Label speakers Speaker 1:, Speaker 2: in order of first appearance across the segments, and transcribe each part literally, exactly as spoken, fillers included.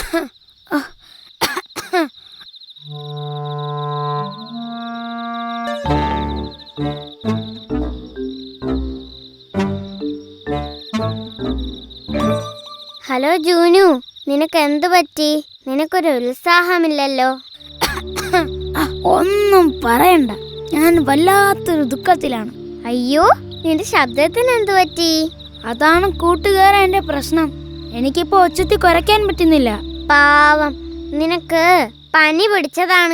Speaker 1: Hello ജൂനു, നിനക്ക് എന്തു പറ്റി? നിനക്കൊരു ഉത്സാഹമില്ലല്ലോ.
Speaker 2: ഒന്നും പറയണ്ട, ഞാൻ വല്ലാത്തൊരു ദുഃഖത്തിലാണ്.
Speaker 1: അയ്യോ, നിന്റെ ശബ്ദത്തിന് എന്തു പറ്റി?
Speaker 2: അതാണ് കൂട്ടുകാരാ എന്റെ പ്രശ്നം. എനിക്കിപ്പോ ഒച്ചത്തി കുറയ്ക്കാൻ പറ്റുന്നില്ല.
Speaker 1: പാവം, നിനക്ക് പനി പിടിച്ചതാണ്.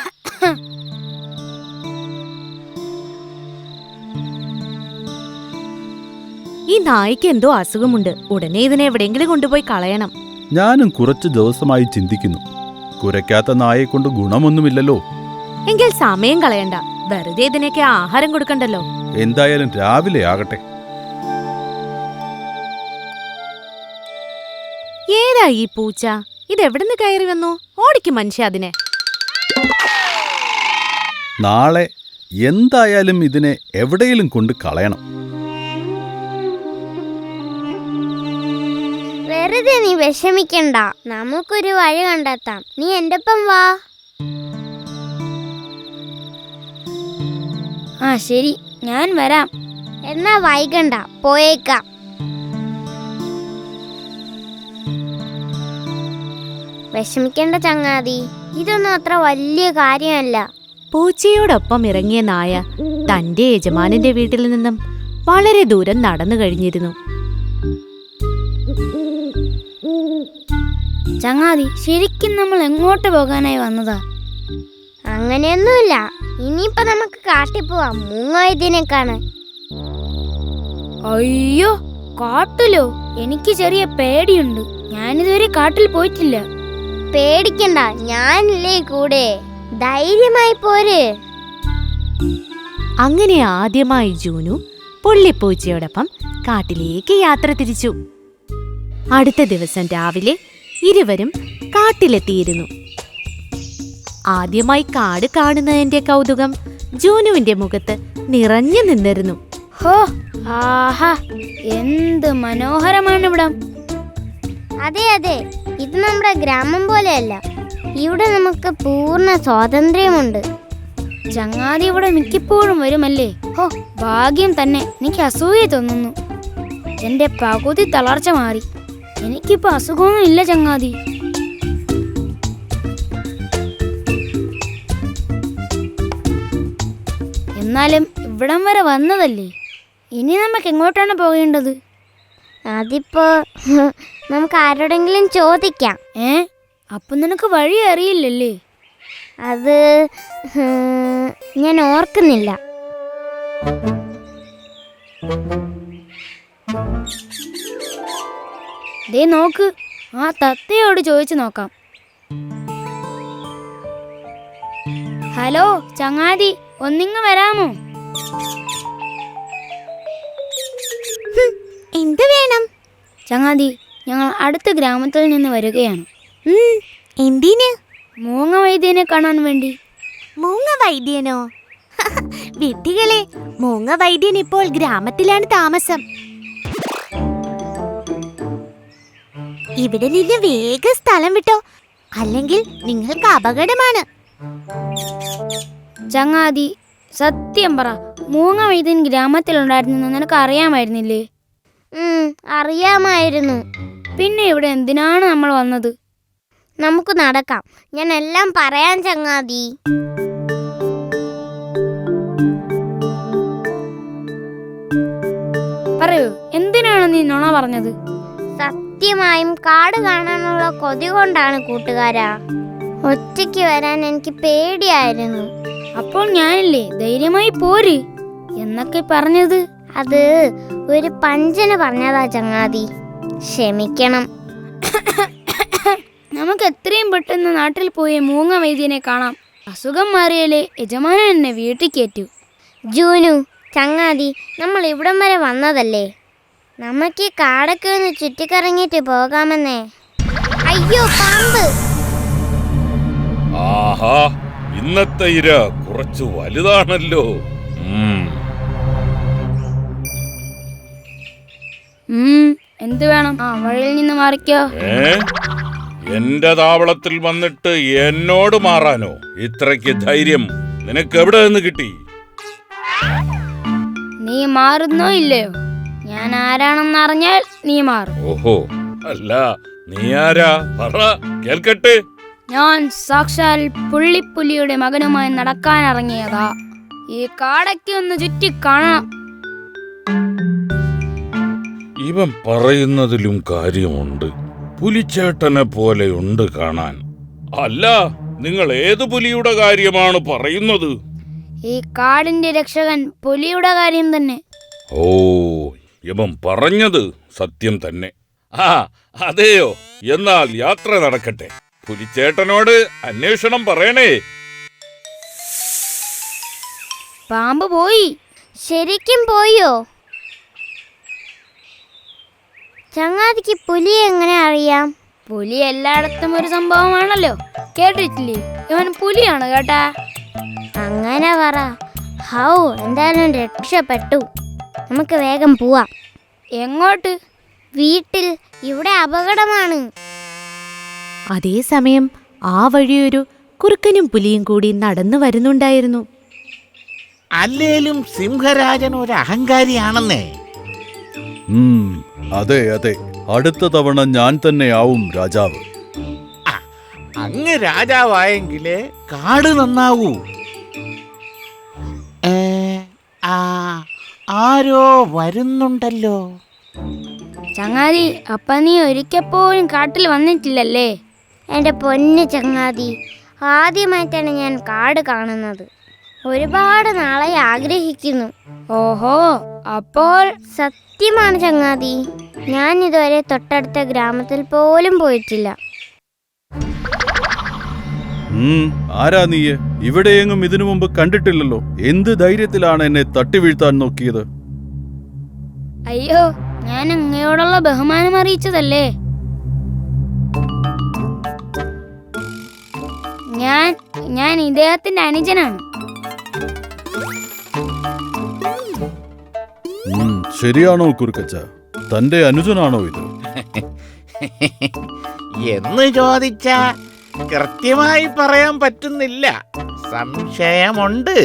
Speaker 3: ഈ നായ്ക്ക് എന്തോ അസുഖമുണ്ട്. ഉടനെ ഇതിനെ എവിടെയെങ്കിലും കൊണ്ടുപോയി കളയണം.
Speaker 4: ഞാനും കുറച്ചു ദിവസമായി ചിന്തിക്കുന്നു, കുരയ്ക്കാത്ത നായെ കൊണ്ട് ഗുണമൊന്നുമില്ലല്ലോ.
Speaker 3: എങ്കിൽ സമയം കളയണ്ട, വെറുതെ ഇതിനൊക്കെ ആഹാരം കൊടുക്കണ്ടല്ലോ.
Speaker 4: എന്തായാലും രാവിലെ ആകട്ടെ.
Speaker 3: ഏതാ ഈ പൂച്ച? ഇതെവിടുന്ന് കയറി വന്നു? ഓടിക്കും മനുഷ്യ അതിനെ.
Speaker 4: നാളെ എന്തായാലും ഇതിനെ എവിടെയെങ്കിലും കൊണ്ട് കളയണം.
Speaker 1: വെറുതെ നീ വിഷമിക്കണ്ട, നമുക്കൊരു വഴി കണ്ടെത്താം. നീ എന്റെ ഒപ്പം വാ.
Speaker 2: ആ ശരി, ഞാൻ വരാം.
Speaker 1: എന്നാ വൈകണ്ട, പോയേക്കാം. വിഷമിക്കേണ്ട ചങ്ങാതി, ഇതൊന്നും അത്ര വലിയ കാര്യമല്ല.
Speaker 3: പൂച്ചയോടൊപ്പം ഇറങ്ങിയ നായ തന്റെ യജമാനന്റെ വീട്ടിൽ നിന്നും വളരെ ദൂരം നടന്നു കഴിഞ്ഞിരുന്നു.
Speaker 2: ചങ്ങാതി, ശരിക്കും നമ്മൾ എങ്ങോട്ട് പോകാനായി വന്നതാ?
Speaker 1: അങ്ങനെയൊന്നുമില്ല, ഇനിയിപ്പോ നമുക്ക് കാട്ടിൽ പോവാം, മൂങ്ങായതിനെ കാണാൻ.
Speaker 2: അയ്യോ, കാട്ടിലോ? എനിക്ക് ചെറിയ പേടിയുണ്ട്. ഞാനിതുവരെ കാട്ടിൽ പോയിട്ടില്ല.
Speaker 1: പേടിക്കണ്ട, ഞാനില്ലേ കൂടെ. ധൈര്യമായി പോര്.
Speaker 3: അങ്ങനെ ആദ്യമായി ജൂനു പുള്ളിപ്പൂച്ചയോടൊപ്പം കാട്ടിലേക്ക് യാത്ര തിരിച്ചു. അടുത്ത ദിവസം രാവിലെ ഇരുവരും കാട്ടിലെത്തിയിരുന്നു. ആദ്യമായി കാട് കാണുന്നതിന്റെ കൗതുകം ജൂനുവിന്റെ മുഖത്ത് നിറഞ്ഞു നിന്നിരുന്നു.
Speaker 2: ഹോ, ആഹാ, എന്ത് മനോഹരമാണ് ഇവിടം.
Speaker 1: അതെ അതെ, ഇത് നമ്മുടെ ഗ്രാമം പോലെയല്ല. ഇവിടെ നമുക്ക് പൂർണ്ണ സ്വാതന്ത്ര്യമുണ്ട്.
Speaker 2: ചങ്ങാതി ഇവിടെ മിക്കപ്പോഴും വരുമല്ലേ? ഹോ, ഭാഗ്യം തന്നെ. എനിക്ക് അസൂയ തോന്നുന്നു. എന്റെ പകുതി തളർച്ച മാറി. എനിക്കിപ്പോ അസുഖമൊന്നും ഇല്ല ചങ്ങാതി. എന്നാലും ഇവിടം വരെ വന്നതല്ലേ, ഇനി നമുക്ക് എങ്ങോട്ടാണ് പോകേണ്ടത്?
Speaker 1: അതിപ്പോ നമുക്ക് ആരോടെങ്കിലും ചോദിക്കാം.
Speaker 2: ഏ, അപ്പൊ നിനക്ക് വഴി അറിയില്ലല്ലേ?
Speaker 1: അത് ഞാൻ ഓർക്കുന്നില്ല.
Speaker 2: ദേ നോക്ക്, ആ തത്തയോട് ചോദിച്ചു നോക്കാം. ഹലോ ചങ്ങാതി, ഒന്നിങ്ങ് വരാമോ?
Speaker 1: എന്ത് വേണം?
Speaker 2: ചങ്ങാതി, ഞങ്ങൾ അടുത്ത ഗ്രാമത്തിൽ നിന്ന് വരികയാണ്.
Speaker 3: എന്തിന്?
Speaker 2: മൂങ്ങ വൈദ്യനെ കാണാൻ വേണ്ടി.
Speaker 3: മൂങ്ങ വൈദ്യനോ? വിഡ്ഢികളെ, മൂങ്ങ വൈദ്യൻ ഇപ്പോൾ ഗ്രാമത്തിലാണ് താമസം. ഇവിടെ നിന്ന് വേഗം സ്ഥലം വിട്ടോ, അല്ലെങ്കിൽ നിങ്ങൾക്ക് അപകടമാണ്.
Speaker 2: ചങ്ങാതി, സത്യം പറ, മൂങ്ങ വൈദ്യൻ ഗ്രാമത്തിലുണ്ടായിരുന്നു നിനക്ക് അറിയാമായിരുന്നില്ലേ?
Speaker 1: അറിയാമായിരുന്നു.
Speaker 2: പിന്നെ ഇവിടെ എന്തിനാണ് നമ്മൾ വന്നത്?
Speaker 1: നമുക്ക് നടക്കാം, ഞാൻ എല്ലാം പറയാൻ ചങ്ങാതി.
Speaker 2: പറയൂ, എന്തിനാണ് നീ നുണ പറഞ്ഞത്?
Speaker 1: സത്യമായും കാട് കാണാനുള്ള കൊതി കൊണ്ടാണ് കൂട്ടുകാരാ. ഒറ്റയ്ക്ക് വരാൻ എനിക്ക് പേടിയായിരുന്നു.
Speaker 2: അപ്പോൾ ഞാനില്ലേ ധൈര്യമായി പോര് എന്നൊക്കെ പറഞ്ഞത്?
Speaker 1: അത് ഒരു പഞ്ചന് പറഞ്ഞതാ ചങ്ങാതി, ക്ഷമിക്കണം.
Speaker 2: നമുക്ക് എത്രയും പെട്ടെന്ന് നാട്ടിൽ പോയി മൂങ്ങ വൈദ്യനെ കാണാം. അസുഖം മാറിയാലേ യജമാനൻ എന്നെ വീട്ടിൽ കയറ്റൂ.
Speaker 1: ജൂനു, ചങ്ങാതി, നമ്മൾ ഇവിടം വരെ വന്നതല്ലേ, നമുക്ക് ഈ കാടൊക്കെ ഒന്ന് ചുറ്റിക്കറങ്ങിയിട്ട് പോകാമെന്നേ. അയ്യോ, പാമ്പ്!
Speaker 5: ആഹാ, ഇന്നത്തെ ഇര കുറച്ച് വലുതാണല്ലോ.
Speaker 2: എന്ത് വേണം? ആ വഴിയിൽ നിന്ന് മാറിക്കോ.
Speaker 5: ഏ, എന്റെ താവളത്തിൽ വന്നിട്ട് എന്നോട് മാറാനോ? ഇത്രയ്ക്ക് ധൈര്യം നിനക്ക് എവിടെ നിന്ന് കിട്ടി?
Speaker 2: നീ മാറുന്നോ ഇല്ലയോ? ഞാൻ ആരാണെന്നറിഞ്ഞാൽ നീ മാറും.
Speaker 5: ഓഹോ, അല്ല, നീ ആരാ? പറ, കേൾക്കട്ടെ.
Speaker 2: ഞാൻ സാക്ഷാൽ പുള്ളിപ്പുലിയുടെ മകനുമായി നടക്കാനിറങ്ങിയതാ. ഈ കാടയ്ക്ക് ഒന്ന് ചുറ്റി കാണണം.
Speaker 5: ഇവൻ പറയുന്നതിലും കാര്യമുണ്ട്. പുലിച്ചേട്ടനെ പോലെയുണ്ട് കാണാൻ. അല്ല, നിങ്ങൾ ഏത് പുലിയുടെ കാര്യമാണ് പറയുന്നത്?
Speaker 2: ഈ കാടിന്റെ രക്ഷകൻ പുലിയുടെ കാര്യം തന്നെ.
Speaker 5: ഓ, ഇവൻ പറഞ്ഞത് സത്യം തന്നെ. ആ, അതെയോ? എന്നാൽ യാത്ര നടക്കട്ടെ. പുലിച്ചേട്ടനോട് അന്വേഷണം പറയണേ.
Speaker 2: പാമ്പ് പോയി.
Speaker 1: ശരിക്കും പോയോ? ചങ്ങാതിക്ക് പുലിയെ എങ്ങനെ അറിയാം?
Speaker 2: പുലി എല്ലായിടത്തും ഒരു സംഭവമാണല്ലോ. കേട്ടിട്ടില്ലേ? ഇവൻ പുലിയാണ് കേട്ടാ.
Speaker 1: അങ്ങനെ പറ. ഹൗ, എന്തായാലും രക്ഷപ്പെട്ടു. നമുക്ക് വേഗം പോവാം.
Speaker 2: എങ്ങോട്ട്?
Speaker 1: വീട്ടിൽ. ഇവിടെ അപകടമാണ്.
Speaker 3: അതേസമയം ആ വഴിയൊരു കുറുക്കനും പുലിയും കൂടി നടന്നു വരുന്നുണ്ടായിരുന്നു.
Speaker 6: അല്ലേലും സിംഹരാജൻ ഒരു അഹങ്കാരിയാണെന്നേ.
Speaker 4: ഉം, അതെ അതെ, അടുത്ത തവണ ഞാൻ തന്നെയാവും രാജാവ്.
Speaker 6: അങ്ങ് രാജാവായെങ്കിലേ കാട് നന്നാവൂ. ഏ, ആ, ആരോ വരുന്നുണ്ടല്ലോ.
Speaker 2: ചങ്ങാതി, അപ്പ നീ ഒരിക്കപ്പോഴും കാട്ടിൽ വന്നിട്ടില്ലല്ലേ?
Speaker 1: എൻ്റെ പൊന്നു ചങ്ങാതി, ആദ്യമായിട്ടാണ് ഞാൻ കാട് കാണുന്നത്. ഒരുപാട് നാളെ ആഗ്രഹിക്കുന്നു.
Speaker 2: ഓഹോ, അപ്പോൾ
Speaker 1: സത്യമാണ് ചങ്ങാതി, ഞാൻ ഇതുവരെ തൊട്ടടുത്ത ഗ്രാമത്തിൽ പോലും പോയിട്ടില്ല.
Speaker 4: ഉം, ആരാ നീയെ? ഇവിടെയെങ്ങും ഇതിനു മുമ്പ് കണ്ടിട്ടില്ലല്ലോ. എന്ത് ധൈര്യത്തിലാണ് എന്നെ തട്ടി വീഴ്ത്താൻ നോക്കിയത്?
Speaker 2: അയ്യോ, ഞാൻ അങ്ങയോടുള്ള ബഹുമാനം അറിയിച്ചതല്ലേ. ഞാൻ ഞാൻ ഇദ്ദേഹത്തിന്റെ അനുജനാണ്.
Speaker 4: ഉം, ശരിയാണോ കുറുക്കച്ച? തന്റെ അനുജനാണോ ഇത്?
Speaker 6: എന്ന് ചോദിച്ച കൃത്യമായി പറയാൻ പറ്റുന്നില്ല. സംശയമുണ്ട്.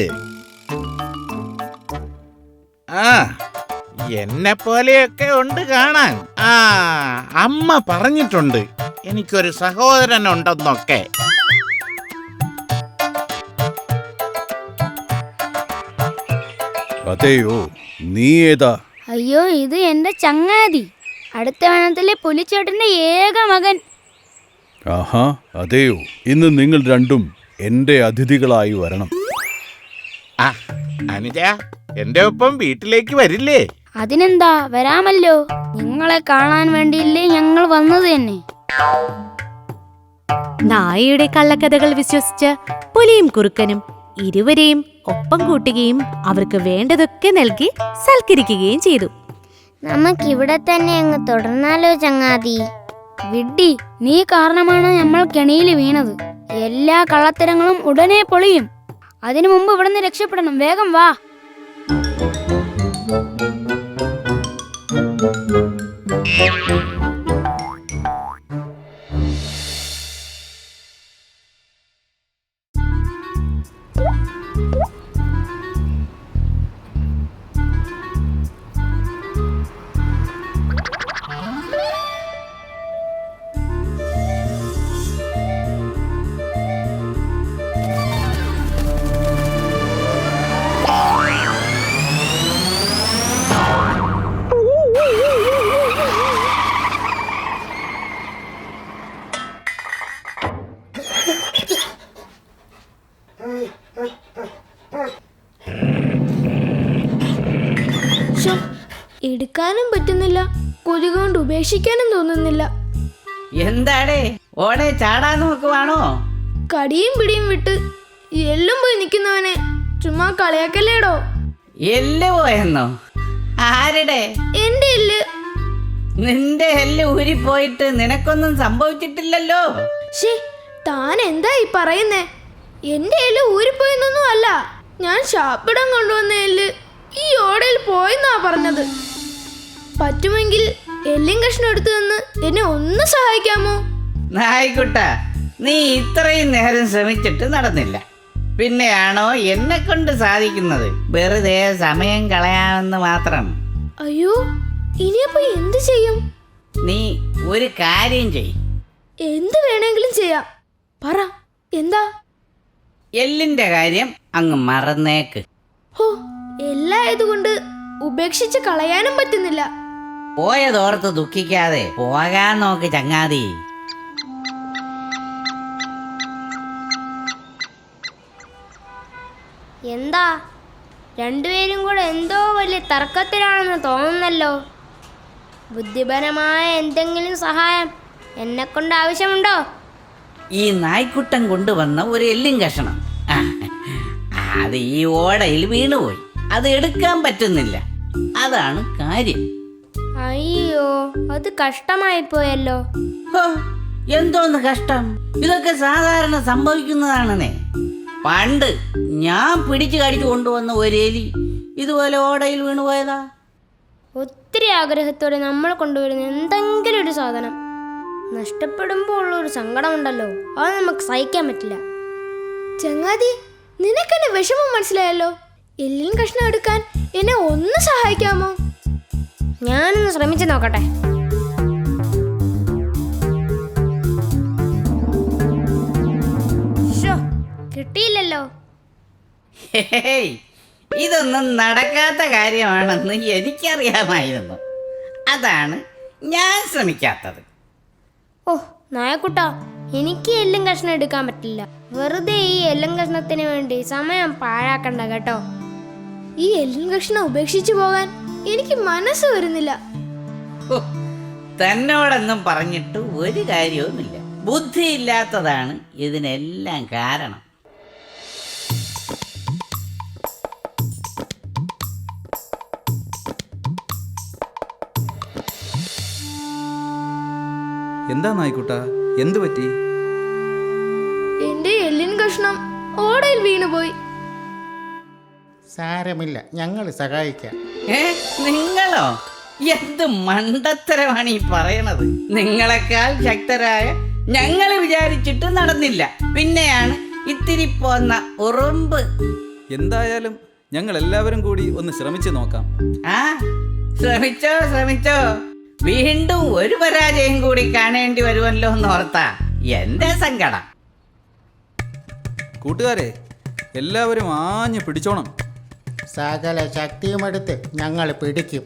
Speaker 6: ആ, എന്നെ പോലെയൊക്കെ ഉണ്ട് കാണാൻ. ആ, അമ്മ പറഞ്ഞിട്ടുണ്ട് എനിക്കൊരു സഹോദരനുണ്ടെന്നൊക്കെ.
Speaker 4: അതെയോ? നീ ഏതാ?
Speaker 2: അയ്യോ, ഇത് എന്റെ ചങ്ങാതി, അടുത്ത വനത്തിലെ പുലിച്ചേട്ടന്റെ ഏക മകൻ.
Speaker 4: ആഹാ, അതെയോ? ഇന്ന് നിങ്ങൾ രണ്ടും എന്റെ അതിഥികളായി വരണം.
Speaker 6: ആ, അനുജ, എന്റെ ഒപ്പം വീട്ടിലേക്ക് വരില്ലേ?
Speaker 2: അതിനെന്താ, വരാമല്ലോ. നിങ്ങളെ കാണാൻ വേണ്ടിയില്ലേ ഞങ്ങൾ വന്നത് തന്നെ.
Speaker 3: നായയുടെ കള്ളക്കഥകൾ വിശ്വസിച്ച് പുലിയും കുറുക്കനും ഇരുവരെയും ഒപ്പം കൂട്ടുകയും അവർക്ക് വേണ്ടതൊക്കെ നൽകി സൽക്കരിക്കുകയും ചെയ്തു.
Speaker 1: നമുക്കിവിടെ തന്നെ അങ്ങ് തുടർന്നാലോ ചങ്ങാതി?
Speaker 2: വിഡ്ഢി, നീ കാരണമാണ് നമ്മൾ കെണിയിൽ വീണത്. എല്ലാ കള്ളത്തരങ്ങളും ഉടനെ പൊളിയും. അതിനു മുമ്പ് ഇവിടുന്ന് രക്ഷപ്പെടണം. വേഗം വാ.
Speaker 7: എടുക്കാനും പറ്റുന്നില്ല, കൊതി കൊണ്ട് ഉപേക്ഷിക്കാനും തോന്നുന്നില്ല.
Speaker 8: എന്താടേ ഓടെ ചാടാൻ നോക്കുവാണോ?
Speaker 7: കടിയും പിടിയും വിട്ട് എല്ലും പോയി നിൽക്കുന്നവനെ ചുമ്മാ കളിയാക്കല്ലേടോ.
Speaker 8: എല്ല് പോയെന്നോ? ആരുടെ?
Speaker 7: എന്റെ എല്ല്.
Speaker 8: നിന്റെ എല്ല് ഊരിപ്പോയിട്ട് നിനക്കൊന്നും സംഭവിച്ചിട്ടില്ലല്ലോ.
Speaker 7: ശേ, താൻ എന്താ ഈ പറയുന്നേ? എന്റെ എല്ല് ഊരിപ്പോയെന്നൊന്നും അല്ല, ഞാൻ ശാപ്പിടം കൊണ്ടുവന്ന എല്ല് ഈ ഓടയിൽ പോയെന്നാ പറഞ്ഞത്. പറ്റുമെങ്കിൽ എല്ലും കഷ്ണം എടുത്തു തന്ന് എന്നെ ഒന്ന് സഹായിക്കാമോ?
Speaker 8: നായിക്കുട്ട, നീ ഇത്രയും നേരം ശ്രമിച്ചിട്ട് നടന്നില്ല. പിന്നെയാണോ എന്നെ കൊണ്ട് സാധിക്കുന്നത്? വെറുതെ സമയം കളയാമെന്ന് മാത്രം.
Speaker 7: അയ്യോ, ഇനിയപ്പോ എന്ത് ചെയ്യും?
Speaker 8: നീ ഒരു കാര്യം ചെയ്.
Speaker 7: എന്ത് വേണമെങ്കിലും ചെയ്യാം. പറ, എന്താ?
Speaker 8: എല്ലിന്റെ കാര്യം അങ്ങ് മറന്നേക്ക്.
Speaker 7: ഹോ, എല്ലായതുകൊണ്ട് ഉപേക്ഷിച്ച് കളയാനും പറ്റുന്നില്ല.
Speaker 8: പോയതോർത്ത് ദുഃഖിക്കാതെ പോകാൻ നോക്ക് ചങ്ങാതി.
Speaker 1: എന്താ രണ്ടുപേരും കൂടെ എന്തോ വലിയ തർക്കത്തിലാണെന്ന് തോന്നുന്നല്ലോ. ബുദ്ധിപരമായ എന്തെങ്കിലും സഹായം എന്നെ കൊണ്ട് ആവശ്യമുണ്ടോ?
Speaker 8: ഈ നായ്ക്കുട്ടൻ കൊണ്ടുവന്ന ഒരു എല്ലും കഷണം, ആ, അത് ഈ ഓടയിൽ വീണുപോയി. അത് എടുക്കാൻ പറ്റുന്നില്ല. അതാണ് കാര്യം.
Speaker 1: അയ്യോ, അത് കഷ്ടമായി പോയല്ലോ.
Speaker 8: ഹോ, എന്തോന്ന് കഷ്ടം? ഇതൊക്കെ സാധാരണ സംഭവിക്കുന്നതാണെന്നേ. പണ്ട് ഞാൻ പിടിച്ചു കടിച്ചു കൊണ്ടുവന്ന ഒരു എലി ഇതുപോലെ ഓടയിൽ വീണുപോയതാ.
Speaker 1: ഒത്തിരി ആഗ്രഹത്തോടെ നമ്മൾ കൊണ്ടുവരുന്ന എന്തെങ്കിലും ഒരു സാധനം നഷ്ടപ്പെടുമ്പോൾ ഉള്ളൊരു സങ്കടമുണ്ടല്ലോ, അത് നമുക്ക് സഹിക്കാൻ പറ്റില്ല.
Speaker 7: ചങ്ങാതി, നിനക്കെന്നെ വിഷമം മനസ്സിലായല്ലോ. എല്ലിൻ കഷ്ണം എടുക്കാൻ എന്നെ ഒന്ന് സഹായിക്കാമോ?
Speaker 1: ഞാനൊന്ന് ശ്രമിച്ചു നോക്കട്ടെ. ശ്ശോ, കിട്ടിയില്ലല്ലോ.
Speaker 8: ഹേയ്, ഇതൊന്നും നടക്കാത്ത കാര്യമാണെന്ന് എനിക്കറിയാമായിരുന്നു. അതാണ് ഞാൻ ശ്രമിക്കാത്തത്.
Speaker 1: ഓ നായക്കുട്ടാ, എനിക്ക് എല്ലും കഷ്ണം എടുക്കാൻ പറ്റില്ല. വെറുതെ ഈ എല്ലും കഷ്ണത്തിന് വേണ്ടി സമയം പാഴാക്കണ്ട കേട്ടോ.
Speaker 7: ഈ എല്ലിൻ കഷ്ണം ഉപേക്ഷിച്ചു പോകാൻ എനിക്ക് മനസ്സ് വരുന്നില്ല.
Speaker 8: ഹോ, തന്നോടൊന്നും പറഞ്ഞിട്ട് ഒരു കാര്യവുമില്ല. ബുദ്ധിയില്ലാത്തതാണ് ഇതിനെല്ലാം കാരണം.
Speaker 9: എന്താ നായിക്കുട്ട, എന്തു പറ്റി?
Speaker 7: എന്റെ എല്ലിൻ കഷ്ണം ഓടയിൽ വീണുപോയി.
Speaker 6: സാരമില്ല, ഞങ്ങൾ സഹായിക്കാം.
Speaker 8: ഏ, നിങ്ങളോ? എന്ത് മണ്ടത്തരമാണ് ഈ പറയണത്? നിങ്ങളെക്കാൾ ശക്തരായ ഞങ്ങൾ വിചാരിച്ചിട്ട് നടന്നില്ല. പിന്നെയാണ് ഇത്തിരി പോന്ന ഉറുമ്പ്.
Speaker 9: എന്തായാലും ഞങ്ങൾ എല്ലാവരും കൂടി ഒന്ന് ശ്രമിച്ചു നോക്കാം.
Speaker 8: ആ, ശ്രമിച്ചോ ശ്രമിച്ചോ. വീണ്ടും ഒരു പരാജയം കൂടി കാണേണ്ടി വരുമല്ലോ എന്നോർത്താ എന്റെ സങ്കടം.
Speaker 9: കൂട്ടുകാരെ, എല്ലാവരും ആഞ്ഞു പിടിച്ചോണം.
Speaker 6: സകല ശക്തിയുമെടുത്ത് ഞങ്ങൾ പിടിക്കും.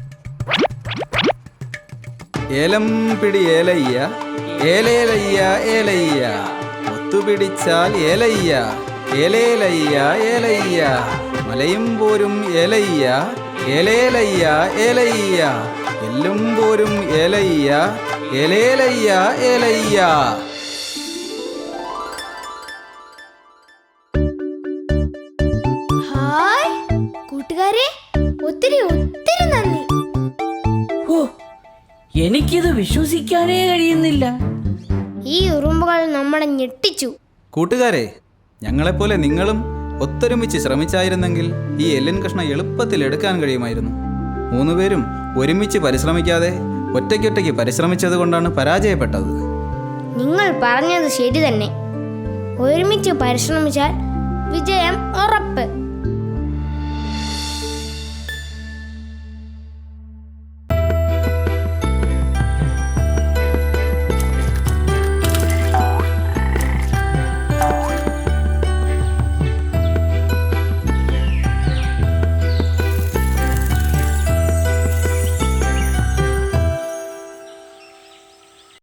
Speaker 9: ഏലം പിടി ഏലയ്യ, ഏലേലയ്യ ഏലയ്യ, ഒത്തുപിടിച്ചാൽ ഏലയ്യ, ഏലേലയ്യ ഏലയ്യ, മലയും പോരും ഏലയ്യ, ഏലേലയ്യ ഏലയ്യ, എല്ലും പോരും ഏലയ്യ, ഏലേലയ്യ ഏലയ്യ.
Speaker 7: ഹായ് കൂട്ടുകാരെ, ഒത്തിരി ഒത്തിരി നന്ദി.
Speaker 8: ഓ, എനിക്കിത് വിശ്വസിക്കാനേ കഴിയുന്നില്ല.
Speaker 1: ഈ ഉറുമ്പുകൾ നമ്മളെ ഞെട്ടിച്ചു.
Speaker 9: കൂട്ടുകാരെ, ഞങ്ങളെപ്പോലെ നിങ്ങളും ഒത്തൊരുമിച്ച് ശ്രമിച്ചായിരുന്നെങ്കിൽ ഈ എല്ലിൻ കഷ്ണം എളുപ്പത്തിൽ എടുക്കാൻ കഴിയുമായിരുന്നു. മൂന്നുപേരും ഒരുമിച്ച് പരിശ്രമിക്കാതെ ഒറ്റയ്ക്കൊറ്റയ്ക്ക് പരിശ്രമിച്ചത് കൊണ്ടാണ് പരാജയപ്പെട്ടത്.
Speaker 1: നിങ്ങൾ പറഞ്ഞത് ശരി തന്നെ. ഒരുമിച്ച് പരിശ്രമിച്ചാൽ വിജയം ഉറപ്പ്.